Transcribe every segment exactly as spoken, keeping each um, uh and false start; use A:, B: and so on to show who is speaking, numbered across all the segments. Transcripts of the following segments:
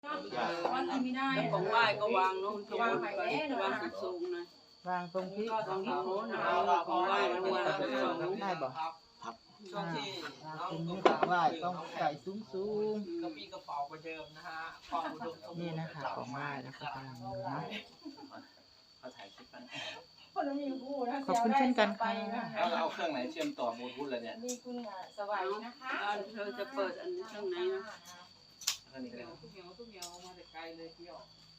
A: วันที่ไม่ได้
B: แล้วของไหว้ก็วางเนาะวางไปวางสูงๆนะ
C: วางตรงที่
B: ตรงนี้โน้นเอาของไหว้มาวางสูง
C: ได้บ่
D: ช่วงที่
C: ตรงนี้ของไหว้ต้องใส่สูงสูง
D: กระปี้กระเป๋าประเดิมนะฮะความอุดมสมบูรณ์
C: นี่นะคะของไหว้แล้วก็กำลังนะ
E: เขาถ่ายคลิปกัน
A: คนละมีคู่นะ
C: ขอบคุณเช่นกันค่ะ
E: แล้วเราเอาเครื่องไหนเชื่อมต่อบลูทูธเลยเนี่ย
A: มีคุณสวัยนะคะ
B: เธอจะเปิดอันช่องไหนนะ
E: เครื่องนี้ก็ได้
D: ทุกอย่างทุกอย่างมาแต่ไกลเลยเที่ยว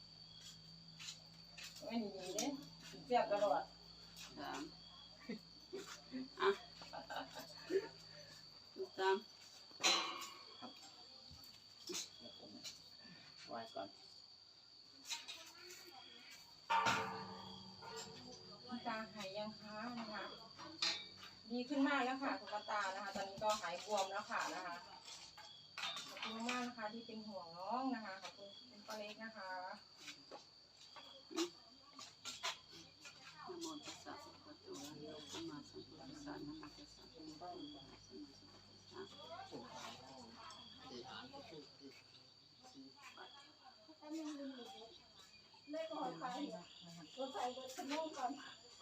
A: ไม่ดีเนี่ยเสียบตลอด
B: สามอ่ะถูกตาม
E: ไหว้ก่อน
A: คุณตาหายยังคะนะคะดีขึ้นมากแล้วค่ะคุณตานะคะตอนนี้ก็หายบวมแล้วค่ะนะคะขอบคุณมากนะคะที่เป็นห่วงน้องนะคะขอบคุณคุณป้าเล็กนะคะ
B: นะโมตัสสะภะคะวะโตอะระหะโตสัมมาสัมพุทธัสสะนะโมตัสสะภะคะวะโตอะระหะโตสัมมาสัมพุทธัสสะ
A: ได้ก่อนไปรถไฟรถขนมก่อน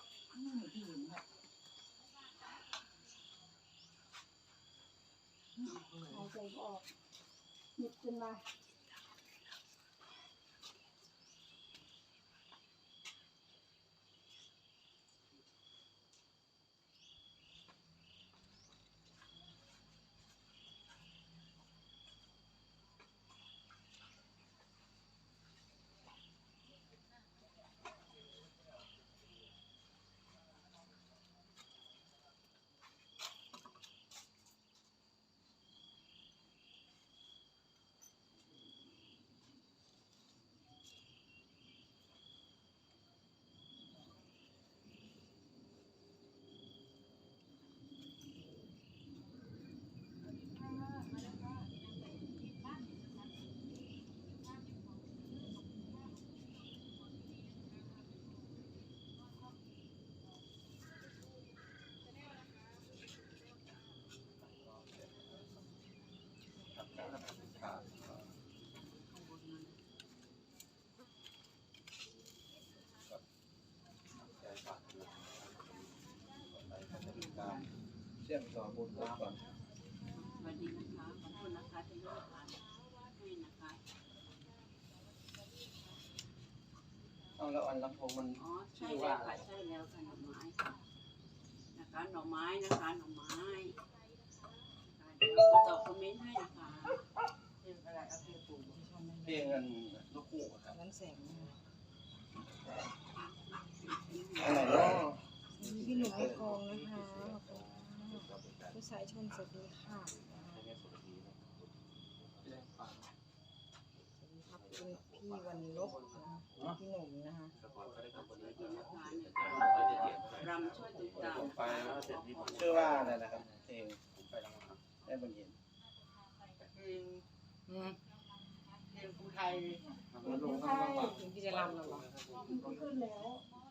A: เอาใจออกหยิบขึ้นมา
E: เชื่อมต่อบลูทูธก่อน
B: สวัสดีนะคะขอบคุณนะคะที่ให้ทานให้นะคะ
E: เอาแล้วอันลำโพงมัน
B: อ๋อใช่แล้วค่ะใช่แล้วค่ะหน่อไม้ค่ะนะคะหน่อไม้นะคะหน่อไม้เดี๋ยวก็ตอบคอมเมนต์ให้นะคะ
D: เพลงอะไรเอาเพลงปู่
E: เพลงอันลูกคู่ครับ
C: นั้นแสง
E: อันไหนเนาะ
C: พี่หนุ่มไม่กองนะคะผู้ชายชนสวัสดีค่ะขอบคุณพี่วันลบพี่หนุ่มนะคะ
B: รำช่วยตุ้มตาม
E: ผมไปแล้วเสร็จนี่ชื่อว่าอะไรนะครับเพลงผมไปแล้วครับได้บนเย็น
D: เพลงเพลงภูไทย
E: มันลงข้างล่าง
C: ถึงที่จะรำแล้วเหรอ
A: ขึ้นแล้ว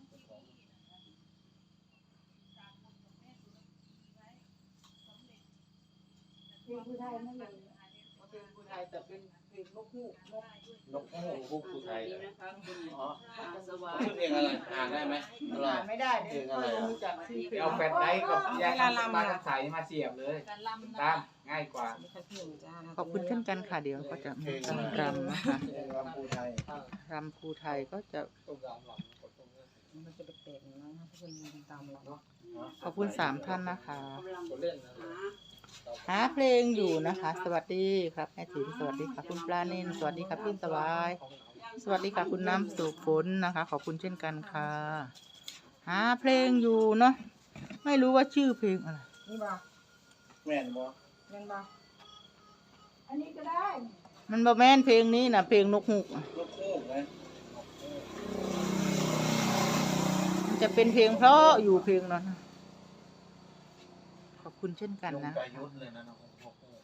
A: เพลงผู้ไทยนั่นเลย
D: เพลงภูไทยแต่เป็นเพลงนกฮูกนก
E: นกฮูกฮูกผู้ไทย
B: ดีนะคะคุณ
E: อ๋อ
B: อาสวา
E: ชื่อเพลงอะไรอ่านได้ไหมอะไร
D: อ่านไม่ได้
E: เพ
D: เนี่
E: ล
D: ย
E: งอะไร
D: ไม่
E: อ่ะ
D: รู้จักชื่อเพลง
F: เอาแฟลชไดร์กับยาปลากระใสมาเสียบเลยตามง่ายกว่า
C: ขอบคุณเช่นกันค่ะเดี๋ยวก็จะมีการรำนะคะ
E: เพลงลำพูไทย
C: รำครูไทยก็จะ
D: ต้มยำหลังกดตรงนี้
C: มันจะเป็นๆนะถ้าคุณตามเราขอบคุณสามท่านนะคะ
B: กำลัง
D: คนเล่นนะ
B: หา
C: หาเพลงอยู่นะคะ สวัสดีครับแม่ติ๋มสวัสดีค่ะคุณปลาเนินสวัสดีครับพี่สวาย สวัสดีค่ะคุณน้ำสุฝนนะคะ ขอบคุณเช่นกันค่ะ หาเพลงอยู่เนาะไม่รู้ว่าชื่อเพลงอะไร
A: นี่บ่
E: แม่นบ่
A: เงินบ่อันนี้ก็ได้
C: มันบ่แม่นเพลงนี้นะเพลงนกฮูกอะ
E: ลูกคู่ไหม
C: มันจะเป็นเพลงเพราะอยู่เพลงนั้นนะขอบคุณเช่นกันนะ
E: ประยุทธ์เลยนะน้องนกคู่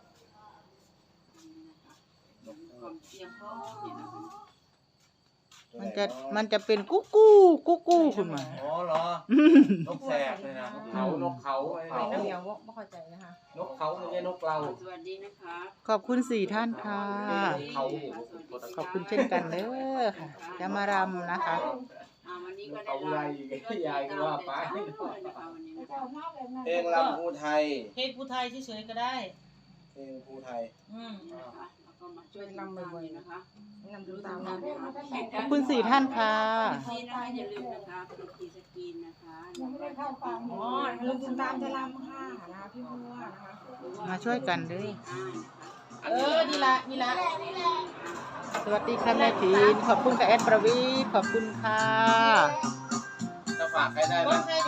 B: ความเตรียมพร้อมเนี่ยนะคะ
C: มันจะมันจะเป็นกุ๊กกู้กุ๊กกู้ขึ้นมา
E: อ๋อเหรอ นกแสกเลยนะ
F: เขานกเขาไอ้
A: ไม่น้ำเหนียวไม่เข้าใจนะคะ
F: นกเขาไม่ใช่นกเรา
B: สวัสดีนะคะ
C: ขอบคุณสี่ท่านค่ะ
F: เขา
C: ขอบคุณเช่นกันเด้อค่ะ จะมารำนะคะ
B: อ่าวันนี้ก็ได้
F: เอาอะไรยายก็ว่าไป
E: เพลงลำภูไทย
D: เพลงภูไทยเฉยๆก็ได้
E: เพลงภูไทย
D: อืม
B: แล้วก็มาช่วยลำบ่อยๆนะคะ
A: นำดูตาม
B: นะ
A: นะคะ
C: ขอบคุณสี่ท่านค่ะ
B: ที่นะคะอย่าลืมนะคะกดทีสกรีนนะคะ
A: อ๋อลุงคุณตามจะรำค่ะนะคะพี่บัวนะคะ
C: มาช่วยกันเด้อ
D: เออนี่ละนี่ละ
C: สวัสดีค่ะแม่ทีนขอบคุณกับแอดประวีขอบคุณค่ะ
E: จะฝากใครได้ไหม
D: คนไทย